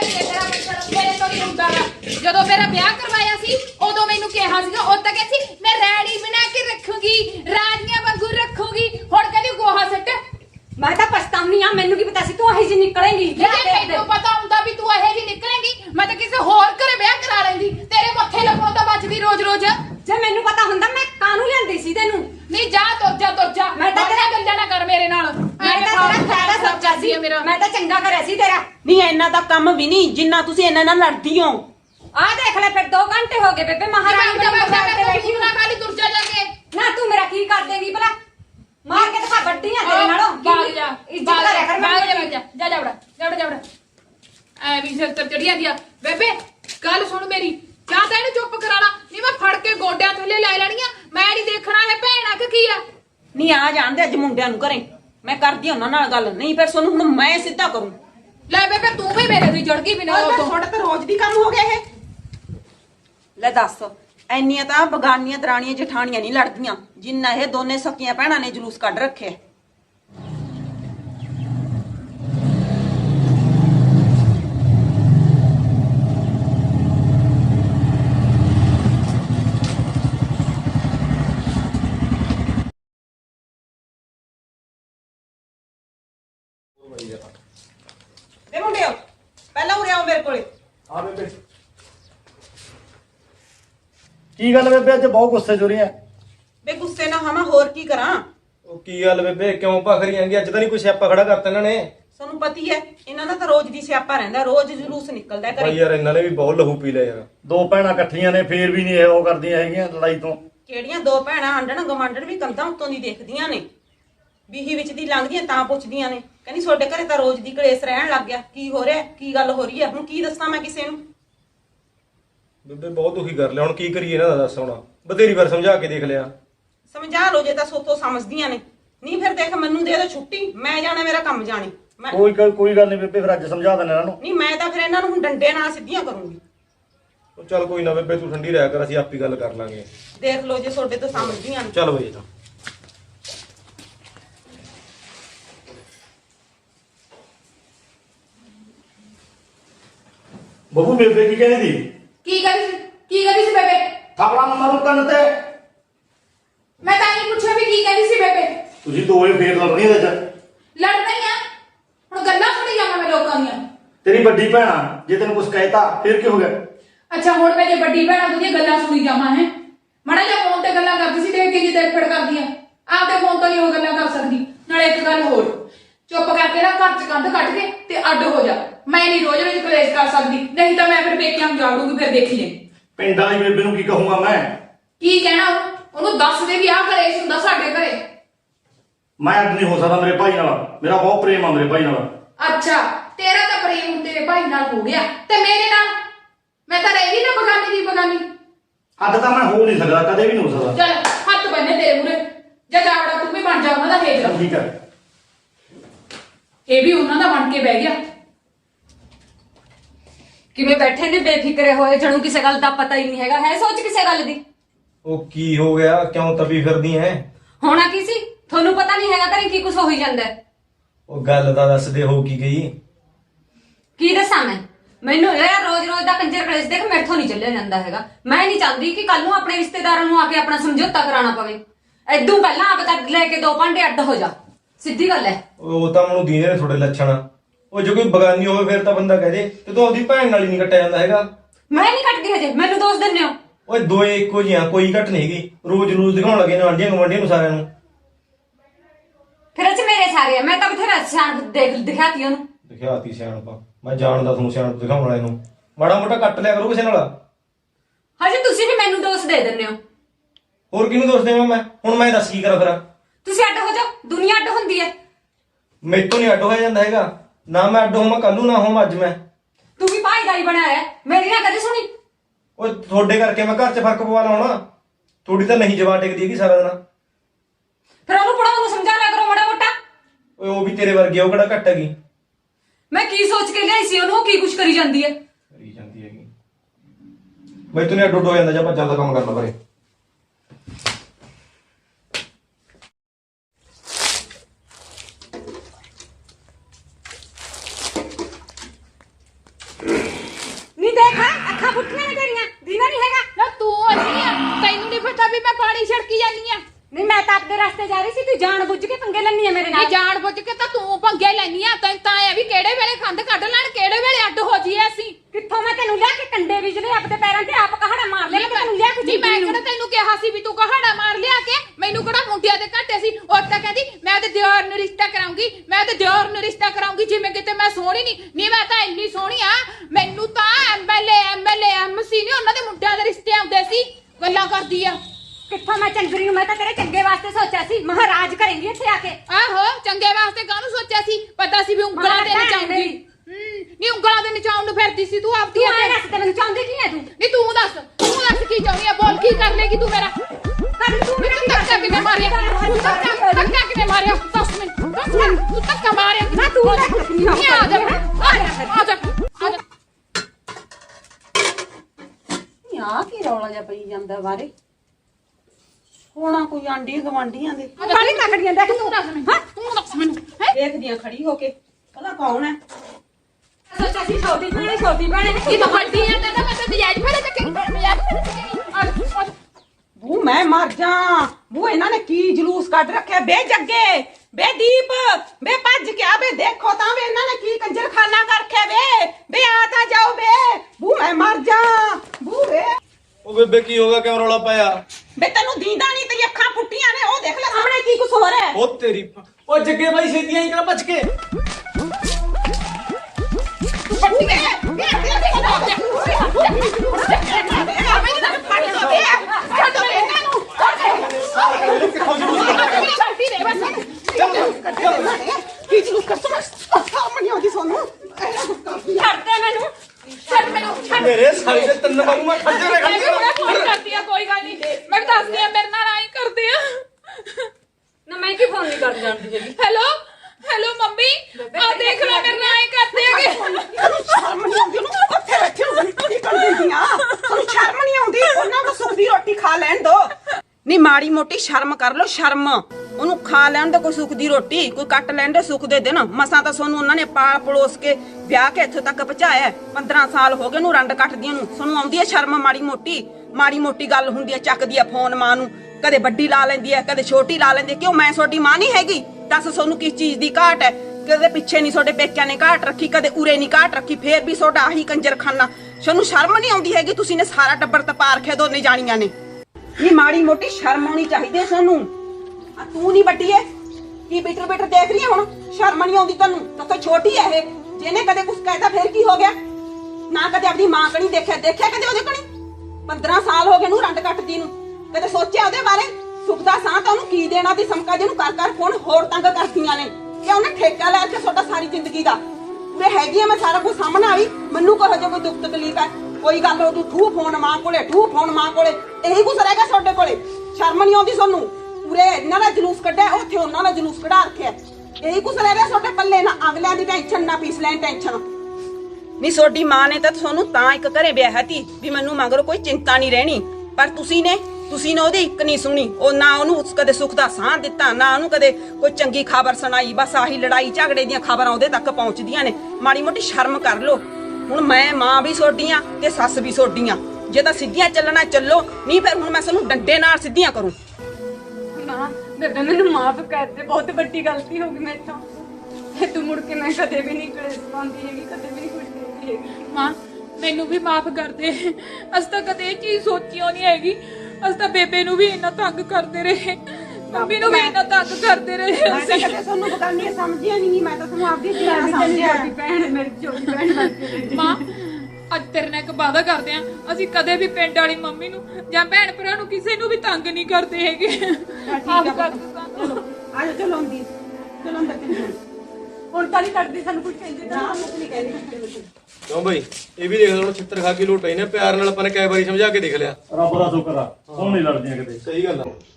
S2: ਮੇਰੇ ਤੋਂ ਨਹੀਂ ਹੁੰਦਾ ਗਾ। ਜਦੋਂ ਮੇਰਾ ਵਿਆਹ ਕਰਵਾਇਆ ਸੀ ਉਦੋਂ ਮੈਨੂੰ ਕਿਹਾ ਸੀਗਾ, ਉਹ ਤਾਂ ਕਹਿੰਦੀ ਸੀ ਮੈਂ ਰੈਡੀ ਬਣਾ ਕੇ ਰੱਖੂਗੀ, ਰਾਜੀਆਂ ਵਾਂਗੂ ਰੱਖੂਗੀ। ਹੁਣ ਕਹਿੰਦੀ ਗੋਹਾ ਸੱਟ।
S3: ਮੈਂ ਤਾਂ ਪਛਤਾਉਣੀ ਆ, ਮੈਨੂੰ ਕੀ ਪਤਾ ਸੀ ਤੂੰ ਇਹੀ ਜੀ ਨਿਕਲੇਂਗੀ।
S2: ਜੇ ਮੈਨੂੰ ਪਤਾ ਹੁੰਦਾ ਵੀ ਤੂੰ ਇਹੋ ਜਿਹੀ ਨਿਕਲੇਂਗੀ, ਮੈਂ ਤਾਂ ਕਿਸੇ ਹੋਰ ਘਰੇ ਵਿਆਹ ਕਰਾ ਲੈਂਦੀ। ਤੇਰੇ ਮੱਥੇ ਲੱਗਣੋਂ ਤਾਂ ਬਚਦੀ ਰੋਜ਼-ਰੋਜ਼।
S3: ਜੇ ਮੈਨੂੰ ਪਤਾ ਹੁੰਦਾ ਮੈਂ ਕਾਹਨੂੰ ਲਿਆਂਦੀ ਸੀ ਤੈਨੂੰ।
S2: ਨਹੀਂ ਜਾ ਤੁਰ ਜਾ।
S3: ਮੈਂ ਤਾਂ
S2: ਤੇਰਾ ਗੱਲਾਂ ਨਾ ਕਰ ਮੇਰੇ ਨਾਲ।
S3: ਮੈਂ ਤਾਂ ਤੇਰਾ ਫਾਇਦਾ ਸੋਚਿਆ ਸੀ,
S2: ਮੇਰਾ।
S3: ਮੈਂ ਤਾਂ ਚੰਗਾ ਕਰਿਆ ਸੀ ਤੇਰਾ।
S5: ਨਹੀਂ ਇੰਨਾ ਤਾਂ ਕੰਮ ਵੀ ਨਹੀਂ ਜਿੰਨਾ ਤੁਸੀਂ ਇਹਨਾਂ ਨਾਲ ਲੜਦੀ ਹੋ।
S3: ਆਹ ਦੇਖ ਲੈ, ਫਿਰ 2 ਘੰਟੇ ਹੋ ਗਏ ਬੇਬੇ ਮਹਾਰਾਣੀ
S2: ਮੈਂ
S3: ਬਣੀ ਬਾਜ਼ਾਰ ਤੇ ਬੈਠੀ
S2: ਨਾ ਖਾਲੀ ਤੁਰ ਜਾ ਜਾਂਗੇ।
S3: ਨਾ ਤੂੰ ਮੇਰਾ ਕੀ ਕਰ ਦੇਂਗੀ ਭਲਾ? ਮਾਰ ਕੇ ਦਿਖਾ ਵੱਡੀਆਂ ਤੇਰੇ ਨਾਲੋਂ।
S2: ਭਾਗ ਜਾ,
S3: ਇੱਜ਼ਤ ਕਰਿਆ ਕਰ
S2: ਭਾਗ ਜਾ। ਜਾ ਬੜਾ ਐ ਵੀ ਸਿਰ ਤੇ ਚੜੀ ਜਾਂਦੀ ਆ। ਬੇਬੇ ਗੱਲ ਸੁਣ ਮੇਰੀ, ਜਾਂ ਤਾਂ ਇਹਨੂੰ ਚੁੱਪ ਕਰਾ ਲਾ, ਨਹੀਂ ਮੈਂ ਫੜ ਕੇ ਗੋਡਿਆਂ ਥੱਲੇ ਲੈ ਲੈਣੀਆਂ। ਮੈਂ ਨਹੀਂ ਦੇਖਣਾ ਇਹ ਭੈਣ ਆ ਕਿ ਕੀ ਆ।
S5: ਨਹੀਂ ਆ ਜਾਂਦੇ ਅੱਜ ਮੁੰਡਿਆਂ ਨੂੰ ਘਰੇ, ਮੈਂ ਕਰਦੀ ਉਹਨਾਂ ਨਾਲ ਗੱਲ। ਨਹੀਂ ਫਿਰ ਸੋਨੂੰ ਹੁਣ ਮੈਂ ਸਿੱਧਾ ਕਰੂੰ।
S2: ਲੈ ਬੇਬੇ ਤੂੰ ਵੀ ਮੇਰੇ ਤੋਂ ਜੜ ਗਈ ਬਿਨਾਂ ਉਹ ਤੋਂ।
S5: ਤੁਹਾਡਾ ਤਾਂ ਰੋਜ਼ ਦੀ ਕੰਮ ਹੋ ਗਿਆ ਇਹ। ਲੈ ਦੱਸ, ਐਨੀਆਂ ਤਾਂ ਬਗਾਨੀਆਂ ਦਰਾਣੀਆਂ ਜਠਾਣੀਆਂ ਨਹੀਂ ਲੜਦੀਆਂ ਜਿੰਨਾ ਇਹ ਦੋਨੇ ਸਕੀਆਂ ਭੈਣਾਂ ਨੇ ਜਲੂਸ ਕੱਢ ਰੱਖਿਆ। ਵੇ ਮੁੰਡਿਓ ਪਹਿਲਾਂ ਉਰੇ ਆਓ ਮੇਰੇ ਕੋਲੇ।
S6: ਆ ਬੇਬੇ ਕੀ ਗੱਲ ਬੇਬੇ, ਅੱਜ ਬਹੁਤ ਗੁੱਸੇ ਚ ਹੋ ਰਹੀ ਐ।
S5: ਵੇ ਗੁੱਸੇ ਨਾ ਹਾਂ, ਹੋਰ ਕੀ ਕਰਾਂ?
S4: ਉਹ ਕੀ ਗੱਲ ਬੇਬੇ, ਕਿਉਂ ਭਖਰੀ ਜਾਂਦੀ? ਅੱਜ ਤਾਂ ਨਹੀਂ ਕੋਈ ਸਿਆਪਾ ਖੜਾ ਕਰਤਾ ਇਹਨਾਂ ਨੇ।
S5: ਤੁਹਾਨੂੰ ਪਤੀ ਹੈ ਇਹਨਾਂ ਦਾ ਤਾਂ ਰੋਜ਼ ਦੀ ਸਿਆਪਾ ਰਹਿੰਦਾ, ਰੋਜ਼ ਜਲੂਸ ਨਿਕਲਦਾ
S4: ਭਾਈ
S5: ਘਰੇ।
S4: ਯਾਰ ਇਹਨਾਂ ਨੇ ਵੀ ਬਹੁਤ ਲਹੂ ਪੀ ਲਿਆ ਯਾਰ।
S6: 2 ਭੈਣਾਂ ਇਕੱਠੀਆਂ ਨੇ ਫੇਰ ਵੀ ਨਹੀਂ ਇਹ ਉਹ ਕਰਦੀਆਂ ਹੈਗੀਆਂ ਲੜਾਈ ਤੋਂ।
S5: ਕਿਹੜੀਆਂ 2 ਭੈਣਾਂ? ਆਂਡਣ ਗਵਾਂਡਣ ਵੀ ਕੰਧਾਂ ਉੱਤੋਂ ਦੀ ਦੇਖਦੀਆਂ ਨੇ, ਬੀਹੀ ਵਿੱਚ ਦੀ ਲੰਘਦੀਆਂ ਤਾਂ ਪੁੱਛਦੀਆਂ ਨੇ, ਕਹਿੰਦੀ ਤੁਹਾਡੇ ਘਰੇ ਤਾਂ ਰੋਜ਼ ਦੀ ਕਲੇਸ਼ ਰਹਿਣ ਲੱਗ ਗਿਆ। ਕੀ ਹੋ ਰਿਹਾ, ਕੀ ਗੱਲ ਹੋ ਰਹੀ ਹੈ? ਹੁਣ ਕੀ ਦੱਸਾਂ ਮੈਂ ਕਿਸੇ ਨੂੰ?
S4: ਬੇਬੇ ਬਹੁਤ ਦੁਖੀ ਕਰ ਲਿਆ, ਹੁਣ ਕੀ ਕਰੀਏ ਇਹਨਾਂ ਦਾ ਦੱਸ। ਹੁਣ ਬਥੇਰੀ ਵਾਰ ਸਮਝਾ ਕੇ ਦੇਖ ਲਿਆ।
S5: ਸਮਝਾ ਲਓ ਜੇ ਤਾਂ ਸੋਤੋਂ ਸਮਝਦੀਆਂ ਨੇ। ਨਹੀਂ ਫਿਰ ਦੇਖ ਮੈਨੂੰ ਦੇ ਦੇ ਛੁੱਟੀ, ਮੈਂ ਜਾਣਾ, ਮੇਰਾ ਕੰਮ ਜਾਣੀ। ਮੈਂ
S6: ਕੋਈ ਗੱਲ ਨਹੀਂ ਬੇਬੇ, ਫਿਰ ਅੱਜ ਸਮਝਾ ਦਿੰਦੇ ਇਹਨਾਂ ਨੂੰ।
S5: ਨਹੀਂ ਮੈਂ ਤਾਂ ਫਿਰ ਇਹਨਾਂ ਨੂੰ ਹੁਣ ਡੰਡੇ ਨਾਲ ਸਿੱਧੀਆਂ ਕਰੂੰਗੀ।
S4: ਉਹ ਚੱਲ ਕੋਈ ਨਾ ਬੇਬੇ, ਤੂੰ ਠੰਡੀ ਰਹਿ ਕਰ, ਅਸੀਂ ਆਪੀ ਗੱਲ ਕਰ ਲਾਂਗੇ।
S5: ਦੇਖ ਲਓ ਜੇ ਤੁਹਾਡੇ ਤੋਂ ਸਮਝਦੀਆਂ ਨੇ।
S4: ਚੱਲ ਬਈ।
S6: ਬੱਬੂ ਬੇਬੇ ਕੀ ਕਹਿੰਦੀ ਸੀ?
S2: ਕੀ ਕਰੀ ਸੀ ਬੇਬੇ?
S6: ਥਾਪੜਾ ਮਾਰੂ ਕੰਨ ਤੇ।
S2: ਮੈਂ ਤਾਂ ਨਹੀਂ ਪੁੱਛਿਆ ਵੀ ਕੀ ਕਹਿੰਦੀ ਸੀ ਬੇਬੇ।
S6: ਤੁਸੀਂ ਦੋਵੇਂ ਫੇਰ ਲੜਨੀ ਇਹਦੇ ਚ।
S2: ਲੜਨਾ ਹੀ ਆ, ਹੁਣ ਗੱਲਾਂ ਸੁਣੀ ਜਾਵਾਂ ਮੈਂ ਲੋਕਾਂ ਦੀਆਂ।
S6: ਤੇਰੀ ਵੱਡੀ ਭੈਣ ਆ, ਜੇ ਤੈਨੂੰ ਕੁਝ ਕਹਿਤਾ ਫਿਰ ਕੀ ਹੋ ਗਿਆ?
S2: ਅੱਛਾ ਹੁਣ ਮੈਂ ਜੇ ਵੱਡੀ ਭੈਣਾਂ ਦੀਆਂ ਗੱਲਾਂ ਸੁਣੀ ਜਾਵਾਂ ਹੈ, ਮਾੜਾ ਜਿਹਾ ਫੋਨ ਤੇ ਗੱਲਾਂ ਕਰਦੀ ਸੀ ਦੇਖ ਕੇ ਜਿੱਦੇ ਫੜ ਕਰਦੀ ਆ, ਆਪਦੇ ਫੋਨ ਤੋਂ ਨਹੀਂ ਉਹ ਗੱਲਾਂ ਕਰ ਸਕਦੀ। ਨਾਲੇ ਇੱਕ ਗੱਲ ਹੋਰ, ਚੁੱਪ ਕਰਕੇ ਨਾ ਘਰ ਚ ਕੰਧ ਕੱਢ ਕੇ ਤੇ ਅੱਡ ਹੋ ਜਾ। ਮੈਂ ਨਹੀਂ ਰੋਜ਼ ਰੋਜ਼ ਕਲੇਸ਼ ਕਰ ਸਕਦੀ, ਨਹੀਂ ਤਾਂ ਮੈਂ ਫਿਰ ਪੇਕਿਆਂ ਨੂੰ ਜਾੜੂਗੀ, ਫਿਰ ਦੇਖੀ ਜੇ।
S6: ਪਿੰਡ ਵਾਲੀ ਬੇਬੇ ਨੂੰ ਕੀ ਕਹੂੰਗਾ ਮੈਂ?
S2: ਕੀ ਕਹਿਣਾ ਉਹਨੂੰ ਦੱਸ ਦੇ ਵੀ ਆਹ ਕਲੇਸ਼ ਹੁੰਦਾ ਸਾਡੇ ਘਰੇ।
S6: ਮੈਂ ਅੱਡ ਨਹੀਂ ਹੋ ਸਕਦਾ ਮੇਰੇ ਭਾਈ ਨਾਲ, ਮੇਰਾ ਬਹੁਤ ਪ੍ਰੇਮ ਆ ਮੇਰੇ ਭਾਈ ਨਾਲ।
S2: ਅੱਛਾ ਤੇਰਾ ਤਾਂ ਪ੍ਰੇਮ ਤੇਰੇ ਭਾਈ ਨਾਲ ਹੋ ਗਿਆ ਤੇ ਮੇਰੇ ਨਾਲ ਮੈਂ ਤਾਂ ਰਹਿ ਗਈ ਨਾ ਬਗਾਨੀ ਦੀ ਬਗਾਨੀ।
S6: ਅੱਡ ਤਾਂ ਮੈਂ ਹੋ ਨਹੀਂ ਸਕਦਾ, ਕਦੇ ਵੀ ਨਹੀਂ ਹੋ ਸਕਦਾ।
S2: ਚੱਲ ਹੱਥ ਬੰਨੇ ਤੇਰੇ ਮੂਰੇ, ਜਾ ਜਾਵੜਾ ਤੂੰ ਵੀ ਬਣ ਜਾ ਉਹਨਾਂ ਦਾ ਹੇਜਰਾ।
S6: ਠੀਕ ਹੈ।
S2: ਇਹ ਵੀ ਉਹਨਾਂ ਦਾ ਬਣ ਕੇ ਬਹਿ ਗਿਆ।
S3: ਕਿਵੇਂ ਬੈਠੇ ਨੇ ਬੇਫਿਕਰੇ ਹੋਏ, ਜਣੂ ਕਿਸੇ ਗੱਲ ਦਾ ਪਤਾ ਹੀ ਨਹੀਂ ਹੈਗਾ। ਹੈ ਸੋਚ ਕਿਸੇ ਗੱਲ ਦੀ?
S4: ਉਹ ਕੀ ਹੋ ਗਿਆ, ਕਿਉਂ ਤਪੀ ਫਿਰਦੀ ਐ?
S3: ਹੋਣਾ ਕੀ ਸੀ, ਤੁਹਾਨੂੰ ਪਤਾ ਨਹੀਂ ਹੈਗਾ ਘਰੇ ਕੀ ਕੁਝ ਹੋਈ ਜਾਂਦਾ ਹੈ।
S4: ਉਹ ਗੱਲ ਤਾਂ ਦੱਸ ਦੇ, ਹੋ ਕੀ ਗਈ?
S3: ਕੀ ਦੱਸਾਂ ਮੈਂ? ਮੈਨੂੰ ਯਾਰ ਰੋਜ਼-ਰੋਜ਼ ਦਾ ਕੰਜਰ ਕਲੇਸ਼ ਦੇਖ ਮੇਰੇ ਤੋਂ ਨਹੀਂ ਚੱਲਿਆ ਜਾਂਦਾ ਹੈਗਾ। ਮੈਂ ਨਹੀਂ ਚਾਹੁੰਦੀ ਕਿ ਕੱਲ ਨੂੰ ਆਪਣੇ ਰਿਸ਼ਤੇਦਾਰਾਂ ਨੂੰ ਆ ਕੇ ਆਪਣਾ ਸਮਝੌਤਾ ਕਰਾਉਣਾ ਪਵੇ। ਐਦੋਂ ਪਹਿਲਾਂ ਆਪ ਤਾਂ ਲੈ ਕੇ 2 ਭਾਂਡੇ ਅੱਡ ਹੋ ਜਾ, ਸਿੱਧੀ ਗੱਲ ਹੈ।
S4: ਉਹ ਤਾਂ ਮੈਨੂੰ ਦੀਨੇ ਨੇ ਥੋੜੇ ਲੱਛਣ। ਉਹ ਜੇ ਕੋਈ ਬਗਾਨੀ ਹੋਵੇ ਫਿਰ ਤਾਂ ਬੰਦਾ ਕਹਿ ਦੇ, ਤੇ ਤੂੰ ਆਪਦੀ ਭੈਣ ਨਾਲ ਹੀ ਨਹੀਂ ਕੱਟਿਆ ਜਾਂਦਾ ਹੈਗਾ।
S3: ਮੈਂ ਨਹੀਂ ਕੱਟਦੀ ਹਜੇ, ਮੈਨੂੰ ਦੋਸ਼ ਦਿੰਦੇ ਹੋ।
S4: ਓਏ ਦੋਏ ਇੱਕੋ ਜਿਹੀਆਂ, ਕੋਈ ਘਟ ਨਹੀਂ ਹੈਗੀ। ਰੋਜ਼ ਦਿਖਾਉਣ ਲੱਗੇ ਨੇ ਆਂਡੀਆਂ ਗਵਾਂਡੀਆਂ ਨੂੰ, ਸਾਰਿਆਂ ਨੂੰ।
S3: ਫਿਰ ਅੱਜ ਮੇਰੇ ਸਾਰੇ ਆ, ਮੈਂ ਤਾਂ ਬਥੇਰਾ ਸਿਆਣ ਦਿਖਾਤੀ ਉਹਨੂੰ।
S4: ਦਿਖਾਤੀ ਸਿਆਣਪਾ, ਮੈਂ ਜਾਣਦਾ ਤੁਹਾਨੂੰ ਸਿਆਣਪ ਦਿਖਾਉਣ ਵਾਲੇ ਨੂੰ। ਮਾੜਾ ਮੋਟਾ ਕੱਟ ਲਿਆ ਕਰੋ ਕਿਸੇ ਨਾਲ।
S3: ਹਜੇ ਤੁਸੀਂ ਵੀ ਮੈਨੂੰ ਦੋਸ਼ ਦੇ ਦਿੰਦੇ ਹੋ।
S4: ਹੋਰ ਕਿਹਨੂੰ ਦੋਸ਼ ਦੇਵਾਂ ਮੈਂ? ਹੁਣ ਮੈਂ ਦੱਸ ਕੀ ਕਰਾਂ ਫਿਰ?
S3: ਤੁਸੀਂ ਅੱਡ ਹੋ ਜਾਓ, ਦੁਨੀਆ ਅੱਡ ਹੁੰਦੀ ਹੈ।
S4: ਮੇਰੇ ਤੋਂ ਨਹੀਂ ਅੱਡ ਹੋਇਆ ਜਾਂਦਾ ਹੈਗਾ। ਨਾ ਮੈਂ ਅੱਡ ਹੋਵਾਂ ਕੱਲ ਨੂੰ, ਨਾ ਹੋਵਾਂ ਅੱਜ ਮੈਂ।
S3: ਤੂੰ ਵੀ ਭਾਈਦਾਰੀ ਬਣਾਇਆ, ਮੇਰੀ ਨਾ ਕਦੇ ਸੁਣੀ।
S4: ਓਏ ਤੁਹਾਡੇ ਕਰਕੇ ਮੈਂ ਘਰ 'ਚ ਫਰਕ ਪਵਾ ਲਾਉਣਾ। ਥੋੜੀ ਤਾਂ ਨਹੀਂ ਜਵਾਨ ਟਿਕਦੀ ਹੈਗੀ ਸਾਰਾ ਦਿਨ।
S3: ਫਿਰ ਉਹਨੂੰ ਪੜਾਉਣ ਨੂੰ ਸਮਝਾ ਲਿਆ ਕਰੋ ਮਾੜਾ ਮੋਟਾ।
S4: ਓਏ ਉਹ ਵੀ ਤੇਰੇ ਵਰਗੀ ਆ, ਉਹ ਕਿਹੜਾ ਘੱਟ ਹੈਗੀ?
S3: ਮੈਂ ਕੀ ਸੋਚ ਕੇ ਲਿਆਈ ਸੀ ਉਹਨੂੰ, ਕੀ ਕੁਛ ਕਰੀ ਜਾਂਦੀ ਹੈ।
S4: ਕਰੀ ਜਾਂਦੀ ਹੈਗੀ। ਮੈਂ ਤੂੰ ਨੇ ਅੱਡ ਹੋ ਜਾਂਦਾ, ਜਾਂ ਆਪਾਂ ਚੱਲਦਾ ਕੰਮ ਕਰਨਾ ਪਰੇ।
S3: ਨਹੀਂ ਦੇਖ ਅੱਖਾਂ ਫੁੱਟੀਆਂ ਨੇ ਤੇਰੀਆਂ, ਦੀਨਾ ਨਹੀਂ ਹੈਗਾ।
S2: ਨਾ ਤੂੰ ਅੱਛੀ ਆ, ਤੈਨੂੰ ਨਹੀਂ ਪਤਾ ਵੀ ਮੈਂ ਪਾਣੀ ਛੜਕੀ ਜਾਂਦੀ ਆ।
S3: ਨਹੀਂ ਮੈਂ ਤਾਂ ਆਪਦੇ ਰਸਤੇ ਜਾ ਰਹੀ ਸੀ, ਤੂੰ ਜਾਣ ਬੁੱਝ ਕੇ ਪੰਗੇ ਲੈਣੀ ਹੈ ਮੇਰੇ
S2: ਇਹ
S3: ਨਾਲ।
S2: ਜਾਣ ਬੁੱਝ ਕੇ ਤਾਂ ਤੂੰ ਭੰਗੇ ਲੈਣੀ ਆ। ਤੈਨੂੰ ਤਾਂ ਆ ਵੀ ਕਿਹੜੇ ਵੇਲੇ ਖੰਡ ਕੱਢ ਲੈਣ, ਕਿਹੜੇ ਵੇਲੇ ਅੱਡ ਹੋ ਜੀਏ ਅਸੀਂ।
S3: ਕਿੱਥੋਂ ਮੈਂ ਤੈਨੂੰ ਲਿਆ ਕੇ ਕੰਡੇ ਵਿਜਲੇ ਆਪਦੇ ਪੈਰਾਂ ਤੇ ਆਪ ਕਹਾੜਾ ਮਾਰ ਲਿਆ। ਮੈਂ ਤੈਨੂੰ ਲਿਆ ਕੇ
S2: ਨਹੀਂ ਮੈਂ ਕਿਹੜਾ ਤੈਨੂੰ ਕਿਹਾ ਸੀ ਵੀ ਤੂੰ ਕਹਾੜਾ ਮਾਰ ਲਿਆ ਕੇ? ਮੈਨੂੰ ਕਿਹੜਾ ਮੁੰਡਿਆਂ ਦੇ ਘਾਟੇ ਸੀ? ਉਹ ਤਾਂ ਕਹਿੰਦੀ ਮੈਂ ਉਹਦੇ ਦਿਓਰ ਨੂੰ ਰਿਸ਼ਤਾ ਕਰਾਉਂਗੀ, ਮੈਂ ਉਹਦੇ ਦਿਓਰ ਨੂੰ ਰਿਸ਼ਤਾ ਕਰਾਉਂਗੀ। ਜਿਵੇਂ ਕਿਤੇ ਮੈਂ ਸੋਹਣੀ ਨਹੀਂ ਮੈਂ ਤਾਂ ਇੰਨੀ ਸੋਹਣੀ ਆ। ਮੈਨੂੰ ਤਾਂ ਐਮਐਲਏ ਐਮਸੀ ਨੇ ਉਹਨਾਂ ਦੇ ਮੁੰਡਿਆਂ ਦੇ ਰਿਸ਼ਤੇ ਆਉਂਦੇ ਸੀ। ਗੱਲਾਂ ਕਰਦੀ ਆ।
S3: ਕਿੱਥੋਂ ਮੈਂ ਚੰਗਰੀ ਨੂੰ, ਮੈਂ ਤਾਂ ਤੇਰੇ ਚੰਗੇ ਵਾਸਤੇ ਸੋਚਿਆ ਸੀ, ਮਹਾਰਾਜ ਕਰੇਂਗੀ ਇੱਥੇ ਆ ਕੇ।
S2: ਆਹੋ ਚੰਗੇ ਵਾਸਤੇ ਕਾਹਨੂੰ ਸੋਚਿਆ ਸੀ? ਪਤਾ ਸੀ ਵੀ ਉਂਗਲਾਂ ਦੇ ਨਚਾਉਂਗੀ। ਨਹੀਂ ਉਂਗਲਾਂ ਦੇ ਨਚਾਉਣ ਨੂੰ ਫਿਰਦੀ ਸੀ ਤੂੰ ਆਪਦੀ।
S3: ਤੂੰ ਆਏ ਦੱਸ ਤੈਨੂੰ ਚਾਹੁੰਦੀ ਕੀ ਹੈ ਤੂੰ?
S2: ਨਹੀਂ ਤੂੰ ਦੱਸ ਕੀ ਚਾਹੁੰਦੀ ਆ? ਬੋਲ ਕੀ ਕਰ ਲੇਗੀ ਤੂੰ ਮੇਰਾ?
S3: ਕਰ ਤੂੰ ਮੇਰਾ ਕੀ
S2: ਧੱਕਾ ਕਿਵੇਂ ਮਾਰਿਆ? ਧੱਕਾ ਕਿਵੇਂ ਮਾਰਿਆ? 10 ਮਿੰਟ ਤੂੰ ਧੱਕਾ ਮਾਰਿਆ।
S3: ਨਾ ਤੂੰ
S2: ਨਹੀਂ ਆ ਜਾ ਆ ਜਾ।
S5: ਆ ਕੀ ਰੌਲਾ ਜਿਹਾ ਪਈ ਜਾਂਦਾ ਬਾਰੇ? ਹੋਣਾ ਕੋਈ ਆਂਢੀ ਗਵਾਂਢੀਆਂ ਦੇ।
S3: ਪਾਣੀ ਤੱਕੜੀਆਂ ਦੇਖ
S2: ਤੂੰ ਦੱਸ ਮੈਨੂੰ
S5: ਦੇਖਦੀਆਂ ਖੜੀ ਹੋ ਕੇ, ਭਲਾ ਕੌਣ ਹੈ?
S3: ਸੋਚਿਆ ਸੀ ਛੋਟੀ ਭੈਣੇ
S2: ਇਹ ਤਾਂ ਵੱਡੀ ਆ ਤੇ ਮੈਂ ਤਾਂ ਜਾਇਜ਼ ਫੜੇ ਚੱਕੇ।
S5: ਬੂ ਮੈਂ ਮਰ ਜਾ। ਬੂ ਇਹਨਾਂ ਨੇ ਕੀ ਜਲੂਸ ਕੱਢ ਰੱਖਿਆ? ਬੇ ਜੱਗੇ, ਬੇ ਦੀਪ, ਬੇ ਭੱਜ ਕੇ ਆ। ਬੇ ਦੇਖੋ ਤਾਂ ਵੇ ਇਹਨਾਂ ਨੇ ਕੀ ਕੰਜਰਖਾਨਾ ਕਰ ਰੱਖਿਆ। ਬੇ ਆ ਤਾਂ ਜਾਓ ਬੇ। ਬੂ ਮੈਂ ਮਰ ਜਾ। ਬੂ ਵੇ
S4: ਉਹ ਬੇਬੇ ਕੀ ਹੋ ਗਿਆ, ਕਿਉਂ ਰੌਲਾ ਪਾਇਆ?
S5: ਬੇ ਤੈਨੂੰ ਦੀਦਾ ਨਹੀਂ, ਤੇਰੀ ਅੱਖਾਂ ਫੁੱਟੀਆਂ ਨੇ। ਉਹ ਦੇਖ ਲੈ ਸਾਹਮਣੇ ਕੀ ਕੁਛ ਹੋ ਰਿਹਾ ਹੈ।
S4: ਉਹ ਤੇਰੀ ਉਹ ਜੱਗੇ ਬਾਈ ਛੇਤੀ ਆਈ ਕਰ ਭੱਜ ਕੇ।
S5: ਪੱਟੀ ਦੇ ਕੀ ਜਲੂਸ ਕਰ ਸਾਹਮਣੇ ਆਉਂਦੀ ਸੋਨੂੰ।
S3: ਛੱਡ ਮੈਨੂੰ
S4: ਮੇਰੇ ਸਾਲੇ ਦੇ ਤਿੰਨ ਵਾਰੂ ਮੈਂ ਖੱਜਰ
S2: ਕਰਦੀ ਆ। ਕੋਈ ਗੱਲ ਨਹੀਂ ਮੈਂ ਦੱਸਦੀ ਆ, ਮੇਰੇ ਨਾਲ ਆਈ ਕਰਦੇ ਆ।
S3: ਨਾ ਮੈਂ ਕੀ ਫੋਨ ਨਹੀਂ ਕਰ ਜਾਂਦੀ ਹੈਗੀ।
S2: ਹੈਲੋ ਹੈਲੋ ਮੰਮੀ ਆ ਦੇਖ ਲੈ ਮੇਰੇ ਨਾਲ ਐ ਕਰਦੇ ਹੈਗੇ।
S5: ਤੈਨੂੰ ਸ਼ਰਮ ਨਹੀਂ ਆਉਂਦੀ ਉਹਨੂੰ ਉੱਥੇ ਬੈਠੇ ਹੋ ਕੀ ਕਰ ਦਿੰਦੀਆਂ ਤੁਹਾਨੂੰ ਸ਼ਰਮ ਨਹੀਂ ਆਉਂਦੀ ਉਹਨਾਂ ਨੂੰ ਸੁੱਖ ਦੀ ਰੋਟੀ ਖਾ ਲੈਣ ਦੋ ਨਹੀਂ ਮਾੜੀ ਮੋਟੀ ਸ਼ਰਮ ਕਰ ਲੋ ਸ਼ਰਮ ਉਹਨੂੰ ਖਾ ਲੈਣ ਦੋ ਕੋਈ ਸੁੱਖ ਦੀ ਰੋਟੀ ਕੋਈ ਕੱਟ ਲੈਣ ਦੇ ਸੁੱਖ ਦੇ ਦਿਨ ਮਸਾਂ ਤਾਂ ਤੁਹਾਨੂੰ ਉਹਨਾਂ ਨੇ ਪਾਲ ਪਲੋਸ ਕੇ ਵਿਆਹ ਕੇ ਇੱਥੇ ਤੱਕ ਪਹੁੰਚਾਇਆ 15 ਸਾਲ ਹੋ ਗਏ ਉਹਨੂੰ ਰੰਡ ਕੱਟਦੀਆਂ ਨੂੰ ਤੁਹਾਨੂੰ ਆਉਂਦੀ ਹੈ ਸ਼ਰਮ ਮਾੜੀ ਮੋਟੀ ਗੱਲ ਹੁੰਦੀ ਹੈ ਚੱਕਦੀ ਹੈ ਫੋਨ ਮਾਂ ਨੂੰ ਕਦੇ ਵੱਡੀ ਲਾ ਲੈਂਦੀ ਹੈ ਕਦੇ ਛੋਟੀ ਲਾ ਲੈਂਦੀ ਹੈ ਕਿਉਂ ਮੈਂ ਤੁਹਾਡੀ ਮਾਂ ਨਹੀਂ ਹੈਗੀ ਦੱਸ ਤੁਹਾਨੂੰ ਕਿਸ ਚੀਜ਼ ਦੀ ਘਾਟ ਹੈ ਕਦੇ ਪਿੱਛੇ ਨਹੀਂ ਤੁਹਾਡੇ ਪੇਕਿਆਂ ਨੇ ਘਾਟ ਰੱਖੀ ਕਦੇ ਉਰੇ ਨਹੀਂ ਘਾਟ ਰੱਖੀ ਫੇਰ ਵੀ ਤੁਹਾਡਾ ਆਹੀ ਕੰਜਰਖਾਨਾ ਤੁਹਾਨੂੰ ਸ਼ਰਮ ਨਹੀਂ ਆਉਂਦੀ ਹੈਗੀ ਤੁਸੀਂ ਨੇ ਸਾਰਾ ਟੱਬਰ ਤਪਾ ਰੱਖਿਆ ਦੋਨੇ ਜਾਣੀਆਂ ਨੇ ਨਹੀਂ ਮਾੜੀ ਮੋਟੀ ਸ਼ਰਮ ਆਉਣੀ ਚਾਹੀਦੀ ਹੈ ਤੁਹਾਨੂੰ ਆ ਤੂੰ ਨਹੀਂ ਵੱਡੀ ਐ ਕੀ ਬਿਟਰ ਦੇਖ ਰਹੀ ਹੈ ਹੁਣ ਸ਼ਰਮ ਨਹੀਂ ਆਉਂਦੀ ਤੈਨੂੰ ਤਾਂ ਛੋਟੀ ਐ ਇਹ ਜਿਹਨੇ ਕਦੇ ਕੁਝ ਕਹਿਤਾ ਫੇਰ ਕੀ ਹੋ ਗਿਆ ਨਾ ਕਦੇ ਆਪਣੀ ਮਾਂ ਕਣੀ ਦੇਖਿਆ ਕਦੇ ਉਹਦੇ ਕਣੀ 15 ਸਾਲ ਹੋ ਗਏ ਨੂੰ ਰੰਡ ਕੱਟਦੀ ਨੂੰ ਕਦੇ ਸੋਚਿਆ ਉਹਦੇ ਬਾਰੇ ਸੁੱਖ ਦਾ ਸਾਹ ਤਾਂ ਉਹਨੂੰ ਕੀ ਦੇਣਾ ਦੀ ਸਮਕਾ ਜਿਹਨੂੰ ਕਰ ਫੋਨ ਹੋਰ ਤੰਗ ਕਰਦੀਆਂ ਨੇ ਕਿ ਉਹਨੇ ਠੇਕਾ ਲੈ ਕੇ ਤੁਹਾਡਾ ਸਾਰੀ ਜ਼ਿੰਦਗੀ ਦਾ ਉਰੇ ਹੈਗੀ ਆ ਮੈਂ ਸਾਰਾ ਕੁਝ ਸਾਹਮਣੇ ਆਈ ਮੈਨੂੰ ਕਹੋ ਜੇ ਕੋਈ ਦੁੱਖ ਤਕਲੀਫ ਹੈ ਕੋਈ ਗੱਲ ਉਹ ਠੂ ਫੋਨ ਮਾਂ ਕੋਲੇ ਇਹੀ ਕੁਝ ਰਹਿ ਗਿਆ ਤੁਹਾਡੇ ਕੋਲੇ ਸ਼ਰਮ ਨਹੀਂ ਆਉਂਦੀ ਤੁਹਾਨੂੰ ਪੂਰੇ ਇਹਨਾਂ ਦਾ ਜਲੂਸ ਕੱਢਿਆ ਉੱਥੇ ਉਹਨਾਂ ਦਾ ਜਲੂਸ ਕਢਾ ਰੱਖਿਆ ਇਹੀ ਕੁਝ ਰਹਿ ਗਿਆ ਤੁਹਾਡੇ ਪੱਲੇ ਨਾ ਅਗਲਿਆਂ ਦੀ ਟੈਨਸ਼ਨ ਨਾ ਪੀਸ ਲੈਣ ਟੈਨਸ਼ਨ ਨਹੀਂ ਤੁਹਾਡੀ ਮਾਂ ਨੇ ਤਾਂ ਤੁਹਾਨੂੰ ਤਾਂ ਇੱਕ ਘਰੇ ਵਿਆਹਿਆ ਤੀ ਵੀ ਮੈਨੂੰ ਮਗਰੋਂ ਕੋਈ ਚਿੰਤਾ ਨਹੀਂ ਰਹਿਣੀ ਪਰ ਤੁਸੀਂ ਨੇ ਉਹਦੀ ਇੱਕ ਨਹੀਂ ਸੁਣੀ ਉਹ ਨਾ ਉਹਨੂੰ ਕਦੇ ਸੁੱਖ ਦਾ ਸਾਹ ਦਿੱਤਾ ਨਾ ਉਹਨੂੰ ਕਦੇ ਕੋਈ ਚੰਗੀ ਖਬਰ ਸੁਣਾਈ ਬਸ ਆਹੀ ਲੜਾਈ ਝਗੜੇ ਦੀਆਂ ਖਬਰਾਂ ਉਹਦੇ ਤੱਕ ਪਹੁੰਚਦੀਆਂ ਨੇ ਮਾੜੀ ਮੋਟੀ ਸ਼ਰਮ ਕਰ ਲੋ ਹੁਣ ਮੈਂ ਮਾਂ ਵੀ ਸੋਡੀਆਂ ਤੇ ਸੱਸ ਵੀ ਸੋਡੀਆਂ ਜੇ ਤਾਂ ਸਿੱਧੀਆਂ ਚੱਲਣਾ ਚੱਲੋ ਨਹੀਂ ਫਿਰ ਹੁਣ ਮੈਂ ਤੁਹਾਨੂੰ ਡੰਡੇ ਨਾਲ ਸਿੱਧੀਆਂ ਕਰੂੰ
S3: ਨਾ ਬੇਬੇ ਮੈਨੂੰ ਮਾਫ ਕਰ ਦੇ ਬਹੁਤ ਵੱਡੀ ਗਲਤੀ ਹੋ ਗਈ ਮੇਰੇ ਤੋਂ ਤੂੰ ਮੁੜ ਕੇ ਮੈਂ ਕਦੇ ਵੀ ਨਹੀਂ ਕਲੇਸ਼ ਪਾਉਂਦੀ ਹੈਗੀ ਕਦੇ ਵੀ ਨਹੀਂ ਕੁਝ ਕਰਦੀ ਹੈਗੀ
S2: ਮਾਂ ਮੈਨੂੰ ਵੀ ਮਾਫ ਕਰ ਦੇ ਅਸੀਂ ਤਾਂ ਕਦੇ ਇਹ ਚੀਜ਼ ਸੋਚਿਓ ਨਹੀਂ ਹੈਗੀ ਅਸੀਂ ਤਾਂ ਬੇਬੇ ਨੂੰ ਵੀ ਇੰਨਾ ਤੰਗ ਕਰਦੇ ਰਹੇ ਮੰਮੀ ਨੂੰ ਵੀ ਇੰਨਾ ਤੰਗ ਕਰਦੇ ਰਹੇ
S5: ਮੈਂ ਤਾਂ ਕਦੇ ਤੁਹਾਨੂੰ ਬਗਾਨੀ ਸਮਝਿਆ ਨਹੀਂ ਮੈਂ ਤਾਂ ਤੁਹਾਨੂੰ ਆਪਦੀ ਧੀ ਸਮਝਿਆ
S3: ਭੈਣ ਮੇਰੀ ਛੋਟੀ ਭੈਣ ਲੱਗਦੀ
S2: ਮਾਂ ਅੱਜ ਤੇਰੇ ਨਾਲ ਇੱਕ ਵਾਅਦਾ ਕਰਦੇ ਆਂ ਅਸੀਂ ਕਦੇ ਵੀ ਪਿੰਡ ਵਾਲੀ ਮੰਮੀ ਨੂੰ ਜਾਂ ਭੈਣ ਭਰਾ ਨੂੰ ਕਿਸੇ ਨੂੰ ਵੀ ਤੰਗ ਨਹੀਂ ਕਰਦੇ ਹੈਗੇ
S5: ਠੀਕ ਹੈ ਚਲੋ ਆਜੋ ਚਲੋ ਅੰਦਰ ਚਲੋ
S3: ਹੁਣ ਤਾਂ ਨਹੀਂ ਕਰਦੀ ਸਾਨੂੰ ਕੁਝ ਕਹਿੰਦੇ
S5: ਨਾ ਮੁੱਕ ਨਹੀਂ ਕਹਿੰਦੀ
S4: ਕਿਉਂ ਬਈ ਇਹ ਵੀ ਦੇਖ ਲਓ ਛਿੱਤਰ ਖਾ ਕੇ ਲੋਟਾਈ ਨੇ ਪਿਆਰ ਨਾਲ ਆਪਾਂ ਨੇ ਕਈ ਵਾਰੀ ਸਮਝਾ ਕੇ ਦੇਖ ਲਿਆ
S6: ਰੱਬ ਦਾ ਸ਼ੁਕਰ ਆ ਹੁਣ ਨਹੀਂ ਲੜਦੀਆਂ ਕਿਤੇ
S4: ਸਹੀ ਗੱਲ ਆ